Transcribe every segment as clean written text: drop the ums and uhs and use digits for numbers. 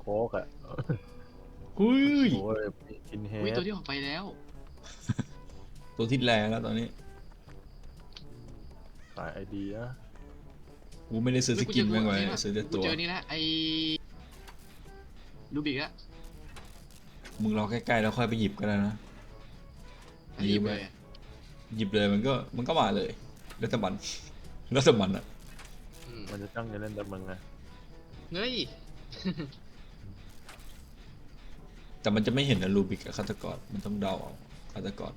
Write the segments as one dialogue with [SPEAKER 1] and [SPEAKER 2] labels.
[SPEAKER 1] ค้กอ่ะ
[SPEAKER 2] หุ้ย
[SPEAKER 1] โอ้ยกินเฮ
[SPEAKER 3] วิตั
[SPEAKER 1] ด
[SPEAKER 3] วที่ออกไปแล้ว
[SPEAKER 2] ตัวที่แรงแล้วตอนนี้
[SPEAKER 1] ขายไอเดีย
[SPEAKER 2] กูไม่ได้ซื้อส
[SPEAKER 3] เฮ้ยกูเจอกู
[SPEAKER 2] กินแม่งไว้
[SPEAKER 3] นี่ละ
[SPEAKER 2] ซื้อแต่ตัว
[SPEAKER 3] กูเจอนี่ละไอ้ลูบิกอะ
[SPEAKER 2] มึงรอใกล้ๆแล้วค่อยไปหยิบก็ได้นะ
[SPEAKER 3] ไอ้หยิบเลยอะ
[SPEAKER 2] หยิบเลยมันก็มาเลยแล้วแต่มันแล้วแต่มันอะ
[SPEAKER 3] อืม
[SPEAKER 1] มันจะจ้องจะเล่นแต่มึงไง
[SPEAKER 3] เฮ้ย
[SPEAKER 2] แต่มันจะไม่เห็นนะรูบิกกับฆาตกรมันต้องเดาเอาฆาตกร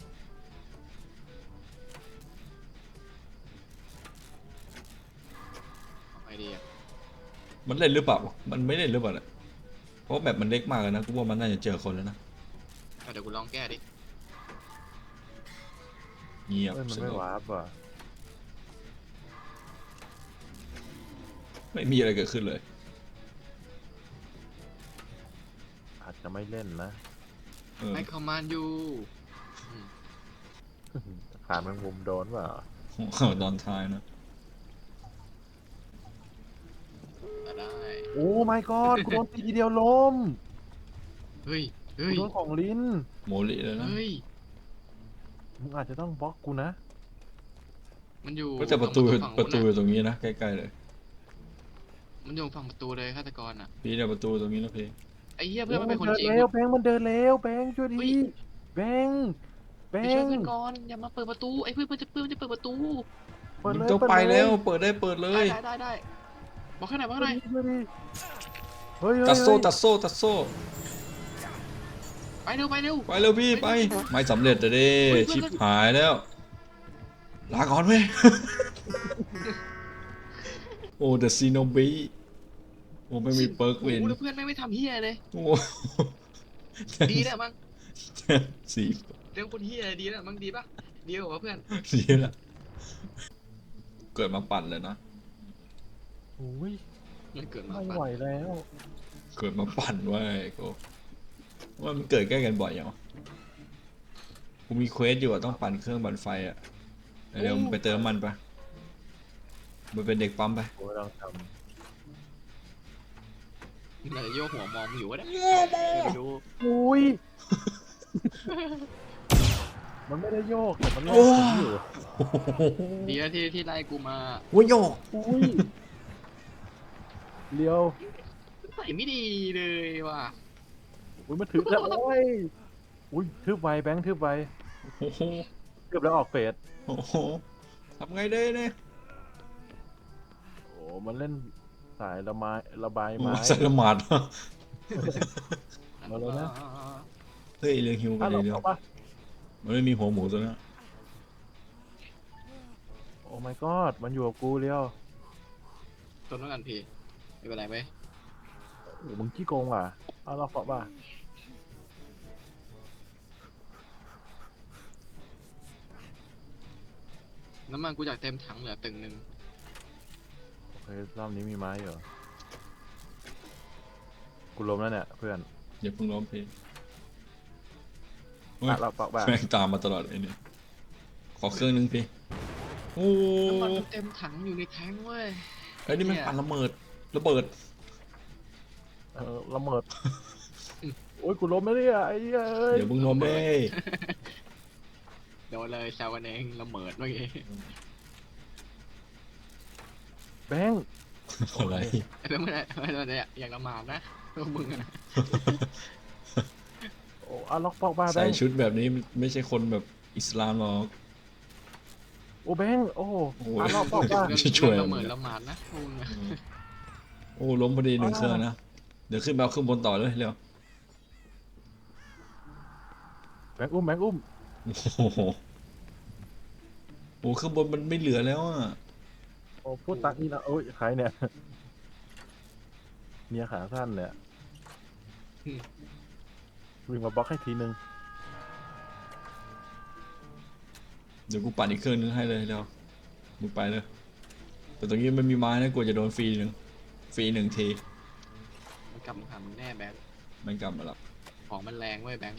[SPEAKER 3] เอาไอเดีย
[SPEAKER 2] มันเล่นหรือเปล่ามันไม่เล่นหรือเปล่าเนี่ยเพราะแบบมันเล็กมากเลยนะกูว่ามันน่าจะเจอคนแล้วนะ
[SPEAKER 3] เอาเดี๋ยวกูลองแก้ดิ
[SPEAKER 2] เงียบ
[SPEAKER 1] เฮ้ยมัน
[SPEAKER 2] ส
[SPEAKER 1] ไม่
[SPEAKER 2] งบ
[SPEAKER 1] วาร์ปอ่ะ
[SPEAKER 2] ไม่มีอะไรเกิดขึ้นเลย
[SPEAKER 1] อาจจะไม่เล่นนะ
[SPEAKER 2] เออ
[SPEAKER 3] ให้คอมมานด์อยู่
[SPEAKER 1] ขาแมงมุมโดนเปล่า
[SPEAKER 2] ตอนท้ายนะ
[SPEAKER 3] ได้
[SPEAKER 1] โอ้ my god กูโดนตีทีเดียวล้ม
[SPEAKER 3] เฮ้ย เฮ้
[SPEAKER 1] กู
[SPEAKER 3] ย
[SPEAKER 1] โดนของลิ้น
[SPEAKER 2] โมลิเลยนะ
[SPEAKER 3] เฮ้ย
[SPEAKER 1] มึงอาจจะต้องบล็อกกูนะ
[SPEAKER 3] มันอยู่
[SPEAKER 2] ก็จะประตู
[SPEAKER 3] ฝั่ง
[SPEAKER 2] ประตู
[SPEAKER 3] นู้น
[SPEAKER 2] อยู่
[SPEAKER 3] น่ะ
[SPEAKER 2] ตรงนี้นะใกล้ๆเลย
[SPEAKER 3] มันอยู่ฝั่งประตูเลยฆาตกรอ่ะ
[SPEAKER 2] พี่เนี่ยประตูตรงนี้นะพี่
[SPEAKER 3] ไอ้เหี้ยเพื่อนมันเป็นคน
[SPEAKER 1] เดิน
[SPEAKER 3] จริง
[SPEAKER 1] เร็วแบงค์มันเดินเร็วแบงค์ช่วย
[SPEAKER 3] เฮ้
[SPEAKER 1] ดี
[SPEAKER 3] ย
[SPEAKER 1] แบงค์แบ
[SPEAKER 3] ไปช่วย
[SPEAKER 1] งค์
[SPEAKER 3] เพื่อนก่อนอย่ามาเปิดประตูไอ้เพื่อนมันจะเปิดประตู
[SPEAKER 1] เปิด
[SPEAKER 2] มึง
[SPEAKER 1] เลย
[SPEAKER 2] ต้อง
[SPEAKER 1] เปิด
[SPEAKER 2] ไป
[SPEAKER 1] เลย
[SPEAKER 2] แล้วเปิดได้เปิดเล
[SPEAKER 3] ได้
[SPEAKER 2] ย
[SPEAKER 3] ได้บอกให้หน่อยบอกให้หน่อย
[SPEAKER 1] ช่วยดีเฮ้ย
[SPEAKER 2] ตัดโซ่
[SPEAKER 1] เฮ้ย
[SPEAKER 2] ตัดโซ่ตัดโซ่
[SPEAKER 3] ไปเร็วไปเร็ว
[SPEAKER 2] ไปเร็วพี่ไปไม่สำเร็จเลยดิ
[SPEAKER 3] เฮ้ย
[SPEAKER 2] ชิบหายแล้วลาก่อนเว้ย โอ้เดอะซีโนบีโอ้ไม่มีเปิร์กเวน
[SPEAKER 3] โอ้โหแล้วเพื่อนไม่ทำเหี้ยเลย
[SPEAKER 2] โอ้
[SPEAKER 3] ดีแล้วมั้ง
[SPEAKER 2] สี
[SPEAKER 3] เรื่องคนเหี้ยดีแล้วมั้งดีปะดีกว่าเพื่อน
[SPEAKER 2] สีละเกิดมาปั่นเลยนะ
[SPEAKER 1] โอ้ย
[SPEAKER 3] มันเกิดมา
[SPEAKER 1] ไม่
[SPEAKER 3] ปะ
[SPEAKER 1] ไหวแล้ว
[SPEAKER 2] เกิดมาปั่นไว้กูว่ามันเกิดใกล้กันบ่อยอย่างวะกูมีเควสอยู่อะต้องปั่นเครื่องปั่นไฟอะเดี๋ยวมึงไปเติมน้ำมันปะมึงเป็นเด็กปั๊มไป
[SPEAKER 1] กูลองท
[SPEAKER 3] มันอาจจะโยกหัวมองมึงอยู่ก็ได้ไปดู
[SPEAKER 1] ำอุ้ย มันไม่ได้โยกแต่มันโย
[SPEAKER 2] โอ้
[SPEAKER 1] กผมอยู่
[SPEAKER 3] ดีแล้วที่ไล่กูมา
[SPEAKER 2] โอ้ยโยก
[SPEAKER 1] อุ้ยเลี้ยว
[SPEAKER 3] ใส่ไม่ดีเลยว่ะ
[SPEAKER 1] อุ้ยมันถือแล้วโอ้ยอุ้ยทืบไวแบงค์ทืบไว
[SPEAKER 2] โอ้โห
[SPEAKER 1] เกือบแล้วออกเฟส
[SPEAKER 2] โอ้โหทำไงได้เนี่ย
[SPEAKER 1] โอ้มันเล่นสายระบายไม้
[SPEAKER 2] ใส่ละหมาด
[SPEAKER 1] มาแล้วนะ
[SPEAKER 2] เฮ้ยเรื่องฮิวกั
[SPEAKER 1] อ่ะ
[SPEAKER 2] น
[SPEAKER 1] เรา
[SPEAKER 2] เดียว
[SPEAKER 1] เอาปะ
[SPEAKER 2] มันไม่มีหัวหมูตัวนั้น
[SPEAKER 1] โอ้ my god มันอยู่กับกูเลี้ยว
[SPEAKER 3] ทนแล้วกันพี่ไม่เป็นไรไหม
[SPEAKER 1] โอ้มึงขี้โกงว่ะเอาเราเกาะป่ะ
[SPEAKER 3] น้ำมันกูอยากเต็มถังเหลือตึงหนึ่ง
[SPEAKER 1] โอเครอบนี้มีไม้เหรอกูล้มแล้วเนี่ยเพื่อน
[SPEAKER 2] อย่าเพิ่งร้องเพลงโอ้ย
[SPEAKER 1] อ่ะเราเกาะป่ะ
[SPEAKER 2] แม่งตามมาตลอดไอ้เนี่ยขอเครื่องนึงพี่โอ้
[SPEAKER 3] น้ำมันกูเต็มถังอยู่ในแท้งเว้ย
[SPEAKER 2] ไอ้นี่มันปั่นระเบิดระเบิด
[SPEAKER 1] ละเมิดโอ้ยกูล้มแล้วเนี่ยไอ้เหี้ยเอ้ย
[SPEAKER 2] เดี๋ยวมึงล้มได้
[SPEAKER 3] โดนเลยแซวกันเองละเมิดเมื่อกี้
[SPEAKER 1] แบงค์
[SPEAKER 2] อะไร
[SPEAKER 3] แล้วมันอยากละหมาดนะพวกมึงอะ
[SPEAKER 1] โอ้เอาล็อกปอกป่ะแบ
[SPEAKER 2] ใส่
[SPEAKER 1] งค์
[SPEAKER 2] ชุดแบบนี้ไม่ใช่คนแบบอิสลามหรอก
[SPEAKER 1] โอ้แบงค์โอ้
[SPEAKER 2] โอ้
[SPEAKER 1] เอาล็อกปอกป่ะ
[SPEAKER 3] เรื่อง
[SPEAKER 2] ช่วย
[SPEAKER 3] ละเมิดละหมาดนะพวกมึงอะ
[SPEAKER 2] โอ้ล้มพอดีหนึ่งเครื่องนะเดี๋ยวขึ้นไปเอาขึ้นบนต่อเลยเร็ว
[SPEAKER 1] แบงค์อุ้มแบงค์อุ้ม
[SPEAKER 2] โอ้โหโอ้ข้างบนมันไม่เหลือแล้วอ่ะ
[SPEAKER 1] โอ้พูดตักนี่นะโอ้ยใครเนี่ยเมียขาสั้นเนี่ยวิ่งมาบล็อกให้ทีนึง
[SPEAKER 2] เดี๋ยวกูปั่นอีกเครื่องนึงให้เลยเดี๋ยวมึงไปเลยแต่ตรงนี้มันมีไม้นะกลัวจะโดนฟรีหนึ่งที
[SPEAKER 3] มันกลับมาหามึงแน่แบงค์
[SPEAKER 2] มันกลับมาแล้ว
[SPEAKER 3] ของมันแรงเว้ยแบงค์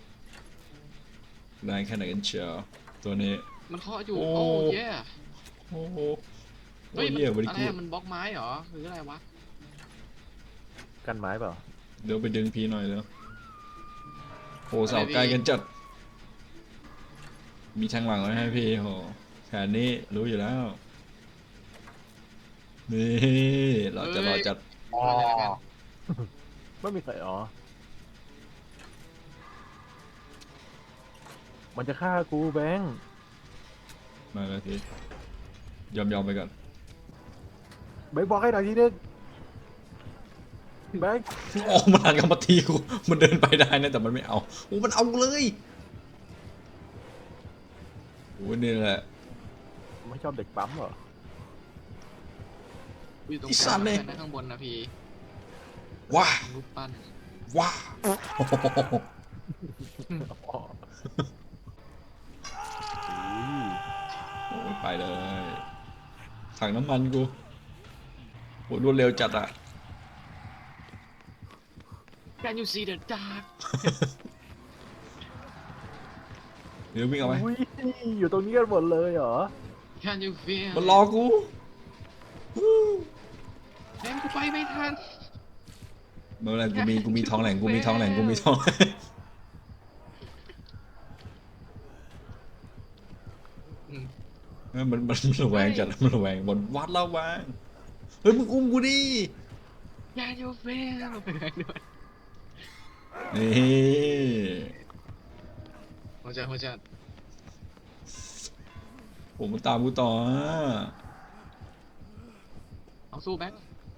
[SPEAKER 2] ได้แค่ไหนกันเชียวตัวนี้
[SPEAKER 3] มันเคาะอยู่
[SPEAKER 2] โอ้
[SPEAKER 3] โอ้เย่
[SPEAKER 2] โอ้โห
[SPEAKER 3] เฮ้ยมัน
[SPEAKER 2] เหี้ยบริ
[SPEAKER 3] อะไร
[SPEAKER 2] กู
[SPEAKER 3] อะมันบล็อกไม้เหรอหรืออะไรวะ
[SPEAKER 1] กันไม้เปล่า
[SPEAKER 2] เดี๋ยวไปดึงพีหน่อยแล้วโหเสาไกลกันจัดมีทางหลังไว้ให้พี่โหแผนนี้รู้อยู่แล้วนี่เราจะรอจัด
[SPEAKER 3] อ๋อเลยละกัน
[SPEAKER 1] ไม่มีใครอ๋อมันจะฆ่ากูแบงค์
[SPEAKER 2] มาแล้วทียอมไปก่อน
[SPEAKER 1] แบงค์บอกให้หน่อยทีนึงแบงค์
[SPEAKER 2] โอ้มันหันกลับมาทีกูมันเดินไปได้นะแต่มันไม่เอาโอ้มันเอาเลยโอ้นี่แหละ
[SPEAKER 1] ไม่ชอบเด็กปั๊มเหรอ
[SPEAKER 3] อยู่ตรง
[SPEAKER 2] อี
[SPEAKER 3] ก
[SPEAKER 2] สั
[SPEAKER 3] ลาง
[SPEAKER 2] ตว์เนี่ย
[SPEAKER 3] นะข้างบนนะพี่
[SPEAKER 2] ว้า
[SPEAKER 3] รูปปั้น
[SPEAKER 2] ว้า
[SPEAKER 1] อ๋ออุ้ย
[SPEAKER 2] โอ้ไปเลยถังน้ำมันกูโอ้รวดเร็วจัดอะ
[SPEAKER 3] Can you see the dark
[SPEAKER 2] เดี๋ยววิ่งเอาไว้
[SPEAKER 1] อุ้ยอยู่ตรงนี้กันหมดเลยเหรอ
[SPEAKER 3] Can you feel
[SPEAKER 2] มันรอกู
[SPEAKER 3] แม่งกูไปไม่ทัน
[SPEAKER 2] เมื่อไรกูมีทองแหล่งกูมีทองแหล่งกูมีทองแหล่ง
[SPEAKER 3] อืม
[SPEAKER 2] มันระแวงจัดมันระแวงบนวัดระแวงเฮ้ยมึงอุ้มกูดิ
[SPEAKER 3] Can you feel ไปไหนด้วย
[SPEAKER 2] นี่
[SPEAKER 3] หัวใจ
[SPEAKER 2] ผมมันตามกูต่ออะ
[SPEAKER 3] เอาสู้แบ็ค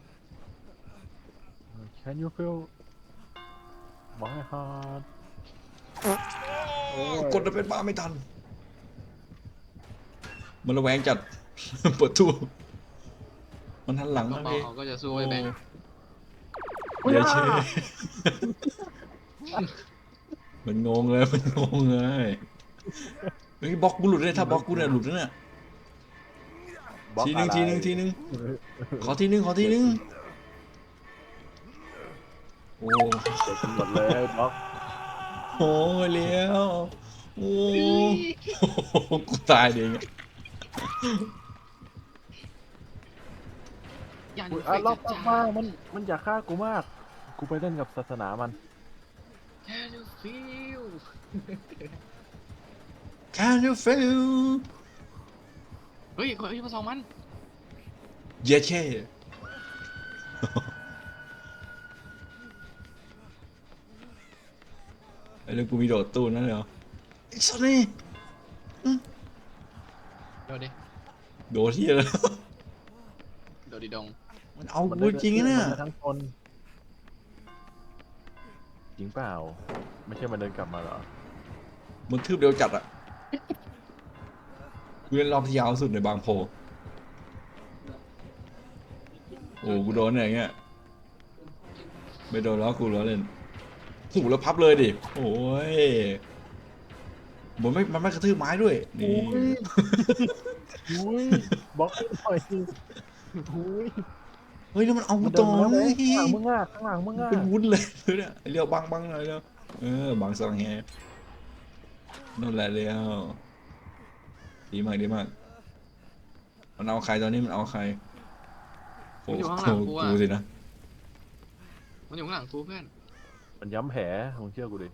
[SPEAKER 1] Can you feel my heart
[SPEAKER 2] โอ้กดจะเป็นบ้าไม่ทันมันระแวงจัด เปิดตู้มันหันหลัง
[SPEAKER 3] ก็
[SPEAKER 2] มา
[SPEAKER 3] เบา
[SPEAKER 2] พี่
[SPEAKER 3] เขาก็จะสู้ไอ้แบ็ค
[SPEAKER 2] เดี๋ยวเชมันงงเลยมันงงเลยเฮ้ยบล็อกกูหลุดเลยถ้าบล็อกกูเนี่ยหลุดแล้วเนี่ย
[SPEAKER 1] บล็อก
[SPEAKER 2] ที
[SPEAKER 1] อะไร
[SPEAKER 2] นึงขอทีนึงโอ้
[SPEAKER 1] เด็กกันหมดเลยบล็อก
[SPEAKER 2] โหเลี้ยวโอ้กูตายเองอะ
[SPEAKER 3] Can
[SPEAKER 1] อุ๊
[SPEAKER 3] you
[SPEAKER 1] ยอ่ะ
[SPEAKER 3] feel
[SPEAKER 1] ล็อก
[SPEAKER 3] the
[SPEAKER 1] มาก
[SPEAKER 3] dark
[SPEAKER 1] มันอยากฆ่ากูมาก กูไปเล่นกับศาสนามัน
[SPEAKER 3] Can you feel
[SPEAKER 2] Can you feel
[SPEAKER 3] เฮ้ยคนที่มาสองมัน
[SPEAKER 2] เย้เช่ไอ้เรื่องกูมีโดดตู้นั่นเหรอไอ้สัสนี่
[SPEAKER 3] เดี๋ยวดิ
[SPEAKER 2] โดดที่อะไร
[SPEAKER 3] เดี๋ยวดิดง
[SPEAKER 2] มันเอา
[SPEAKER 1] มัน
[SPEAKER 2] กูจริงนะเนี่ย
[SPEAKER 1] มันทั้งคนจริงเปล่า ไม่ใช่มันเดินกลับมาเหรอ
[SPEAKER 2] มันทืบเร็วจัดอะกูเล่นรอบที่ยาวสุดในบางโพโอ้กูโดนเนี่ยอย่างเงี้ยไม่โดนแล้วกูล้อเล่นหูแล้วพับเลยดิโอ้ยมันไม่กระทืบไม้ด้วยนี่
[SPEAKER 1] อุ้ยบล็อกให้หน่อยอุ้ย
[SPEAKER 2] เฮ้ยแล้วมันเอากู
[SPEAKER 1] มันเดิ
[SPEAKER 2] ต่อน
[SPEAKER 1] มา
[SPEAKER 2] เล
[SPEAKER 1] แล้ว
[SPEAKER 2] ย
[SPEAKER 1] ข้างหลังมึงอ่ะข้างหลังมึงอ่ะ
[SPEAKER 2] เป็นวุ้นเลยเนี่ยเรียวบังหน่อยแล้วบังสังแฮนั่นแหละเรียวดีมากมันเอาใครตอนนี้มันเอาใครโอ้
[SPEAKER 3] มันอยู่ข้างหลังกูอะ
[SPEAKER 2] กูสินะ
[SPEAKER 3] มันอยู่ข้างหลังกูเพื่อน
[SPEAKER 1] มันย้ำแผลมึงเชื่อกูดิ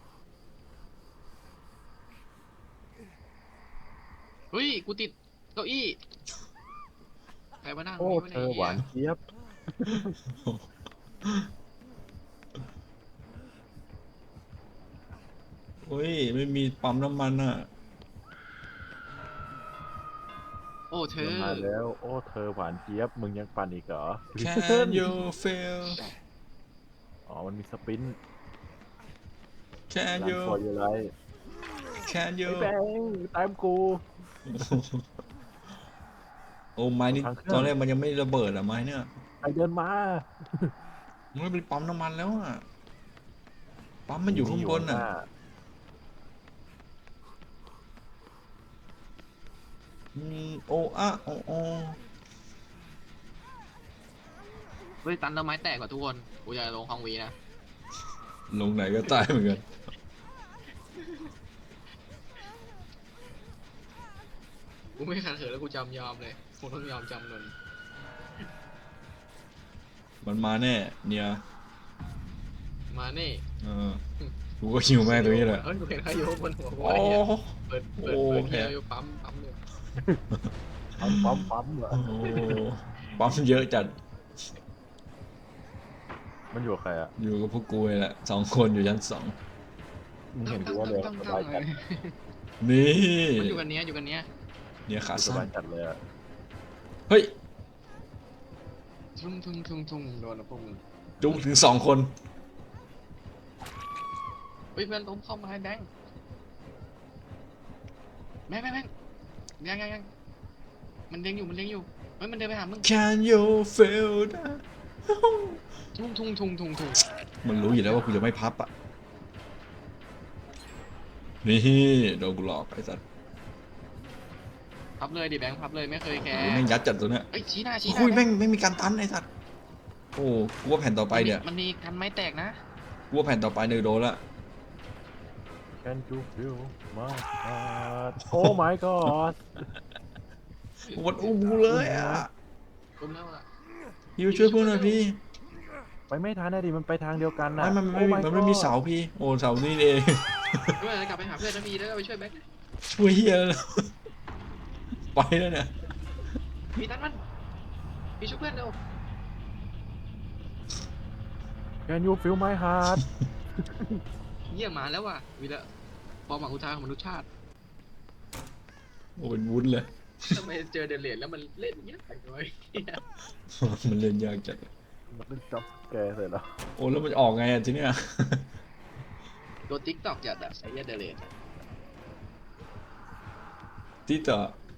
[SPEAKER 3] เฮ้ยกูติดเก้าอี้ใครมานั่ง
[SPEAKER 1] โอ้
[SPEAKER 3] ไว้
[SPEAKER 1] เธอหวานเจี๊ยบ
[SPEAKER 2] เฮ้ยไม่มีปั๊มน้ำมันอ่ะ
[SPEAKER 3] โอ้เธอ
[SPEAKER 1] มันมาแล้ว โอ้เธอหวานเจี๊ยบมึงยังปั่นอีกเหรอ
[SPEAKER 2] Can you feel
[SPEAKER 1] อ๋อมันมีสปิน
[SPEAKER 2] Can
[SPEAKER 1] รัน
[SPEAKER 2] you
[SPEAKER 1] ฟอร์ยูไร
[SPEAKER 2] Can you
[SPEAKER 1] ไอ้แบงตามกู
[SPEAKER 2] โอ้ไม้นี่
[SPEAKER 1] ทางเครื่อง
[SPEAKER 2] ตอนแรกมันยังไม่ระเบิดอะไม้เนี่ย
[SPEAKER 1] ใครเดินมา
[SPEAKER 2] มันเป็นปั๊มน้ำมันแล้วอะปั๊มมันอยู่ข้างบนอะโอ้อะโอ้โอ้
[SPEAKER 3] เฮ้ยตันต้นไม้แตกกว่าทุกคนกูจะลงคลองวีนะ
[SPEAKER 2] ลงไหนก็ตายเหมือนกัน
[SPEAKER 3] กูไม่ขัดขืนแล้วกูจำยอมเลยกูต้องยอมจำนน
[SPEAKER 2] มันมาแน่เนี่ย
[SPEAKER 3] มานี่
[SPEAKER 2] กูก็หิวแม่งตรงนี้แหละ
[SPEAKER 3] เฮ้ยกูเห็นใครอยู่บนหัวกู
[SPEAKER 2] โอ้
[SPEAKER 3] ไอ้เหี้ยเปิด
[SPEAKER 2] โอ้
[SPEAKER 3] เกียร์อยู่ปั๊มอยู่
[SPEAKER 1] ปั๊มเหรอ
[SPEAKER 2] โหปั๊มเยอะจัด
[SPEAKER 1] มันอยู่กับใครอ่ะ
[SPEAKER 2] อยู่กับพวกกูเลยแหละ2 คนอยู่ชั้น
[SPEAKER 1] มึงเห็นกูว่าเลยสบายจัด
[SPEAKER 2] 2นี่
[SPEAKER 3] มันอยู่กันเนี้ยอยู่กันเนี้ย
[SPEAKER 2] เนี่ยขา
[SPEAKER 1] ส
[SPEAKER 2] สั้
[SPEAKER 1] บาน ยจัดเลยอ่ะ
[SPEAKER 2] เฮ้ย
[SPEAKER 3] ทุ่งโดนนะพวกมึง
[SPEAKER 2] จุกถึง2 คน
[SPEAKER 3] เฮ้ยเพื่อนล้มเข้ามาให้แบงค์แบงค์ยังมันเด้งอยู่เฮ้ยมันเดินไปหามึง
[SPEAKER 2] Can you feel that
[SPEAKER 3] ทุ่ง
[SPEAKER 2] มันรู้อยู่แล้วว่ากูจะไม่พับอ่ะ นี่โดนกูหลอกไอ้สัส
[SPEAKER 3] พับเลยดิแบงค์พับเลยไม่เคยแคร์
[SPEAKER 2] โอ้ยแม่งยัดจัดตัวเนี้ย
[SPEAKER 3] เอ้ยชี้หน้า
[SPEAKER 2] คุยแม่งไม่มีการตันไอ้สัสโอ้กูว่าแผ่นต่อไปเนี่ย
[SPEAKER 3] มันมีกันไม้แตกนะ
[SPEAKER 2] กูว่าแผ่นต่อไปเนี่ยโดนละ
[SPEAKER 1] Can you feel my heart Oh my god
[SPEAKER 2] มันอุ้มกูเลยอ่ะ
[SPEAKER 3] ล้มแล้วอ่ะ
[SPEAKER 2] พี่ช่วยเพื่อนหน่อยพี่
[SPEAKER 1] ไปไม่ทันนะดิมันไปทางเดียวกันนะ
[SPEAKER 2] มันไม่
[SPEAKER 1] Oh
[SPEAKER 2] มี
[SPEAKER 1] my
[SPEAKER 2] มันไม่มี
[SPEAKER 1] god
[SPEAKER 2] เสาพี่ โอ้เสานี่เอง
[SPEAKER 3] เพื่อนกลับไปหาเพื่อนนะพี่แล้วก็ไปช่วยแบงค์
[SPEAKER 2] ช่วยเฮียแล้วไปแล้วเนี่ย
[SPEAKER 3] พี่ตันมันพี่ช่วยเพื่อนเร็ว
[SPEAKER 1] Can you feel my heart
[SPEAKER 3] เยี่ยมมาแล้วว่ะวีละฟอร์มหวังอุทานของมนุษยชาติ
[SPEAKER 2] โอ้เป็นวุ้นเลย
[SPEAKER 3] ทำไมเจอเดลเลดแล้วมันเล่นอย่างเงี้ยไปเลย
[SPEAKER 2] มันเล่นยากจัด
[SPEAKER 1] มันเป็นจับแกเสร็จแล้ว
[SPEAKER 2] โอ้แล้วมันออกไงอ่ะทีเนี้ย
[SPEAKER 3] ตัวติ๊กตอกจัดอะไอ้เหี้ยเดลเลด
[SPEAKER 2] ที่ต่อ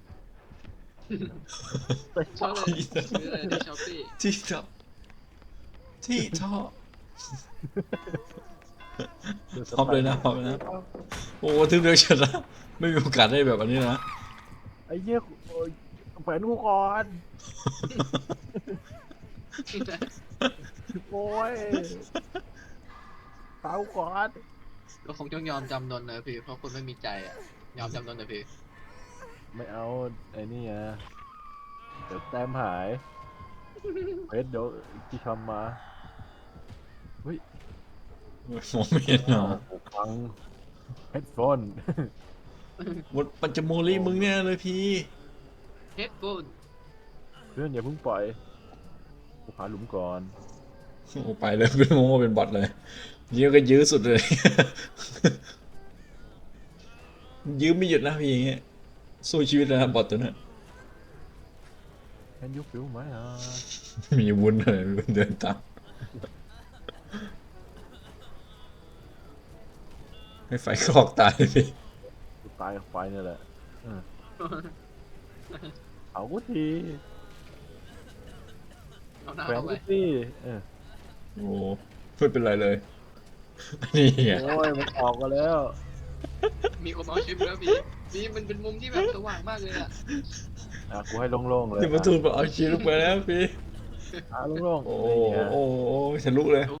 [SPEAKER 3] ชอบเลยซื้อเลยในช้อปปี้
[SPEAKER 2] ที่ต่อที่ท่อพร้อมเลยนะพร้อมเลยนะ โอ้ทึ่งเดียวชนะไม่มีโอกาสได้แบบอันนี้นะ
[SPEAKER 1] ไอ้เหี้ยโอ้ยแขวนกูก่อนโอ้ยเตาก่อน
[SPEAKER 3] ก็คงต้องยอมจำนนนะพี่เพราะคนไม่มีใจอะยอมจำนนนะพี่
[SPEAKER 1] ไม่เอาไอ้นี่ไงเดี๋ยวแต้มหายเฮ้ยเดี๋ยวที่ทำมา
[SPEAKER 2] มองไม่เห็นหรอ
[SPEAKER 1] หูฟังเฮดโฟน
[SPEAKER 2] หมดปัญจโมลีมึงเนี่ยเลยพี่
[SPEAKER 3] เฮดโฟน
[SPEAKER 1] เพื่อนอย่าเพิ่งปล่อยกูหาหลุมก่อน
[SPEAKER 2] โอ้ไปเลยเป็นโมเป็นบอทเลยยื้อก็ยื้อสุดเลย ยื้อไม่หยุดนะพี่อย่างเงี้ยสู้ชีวิตเลยนะบอทตัวนั้น
[SPEAKER 1] Can you feel my heart
[SPEAKER 2] มีวุ้นเลยวุ้นเดินตามให้ไฟคลอกตายพี่
[SPEAKER 1] กูตายกับไฟนี่แหละเอากูที
[SPEAKER 3] เอาหน้า
[SPEAKER 1] แขวน
[SPEAKER 3] เข้าไป
[SPEAKER 1] กูที
[SPEAKER 2] โอ้ไม่เป็นไรเลยนี่ไง
[SPEAKER 1] โอ้ยมันออกมาแล้ว
[SPEAKER 3] มีคนเอาชิปแล้วพี่มันเป็นมุมที่แบบสว่างมากเลยอะ
[SPEAKER 1] กูให้โล่งๆเลย
[SPEAKER 2] ที่มาทูนบอกเอาชีลงไปแล้วพี่
[SPEAKER 1] โล่งๆ
[SPEAKER 2] โอ้
[SPEAKER 1] นี่ไง
[SPEAKER 2] โอ้ทะลุเลย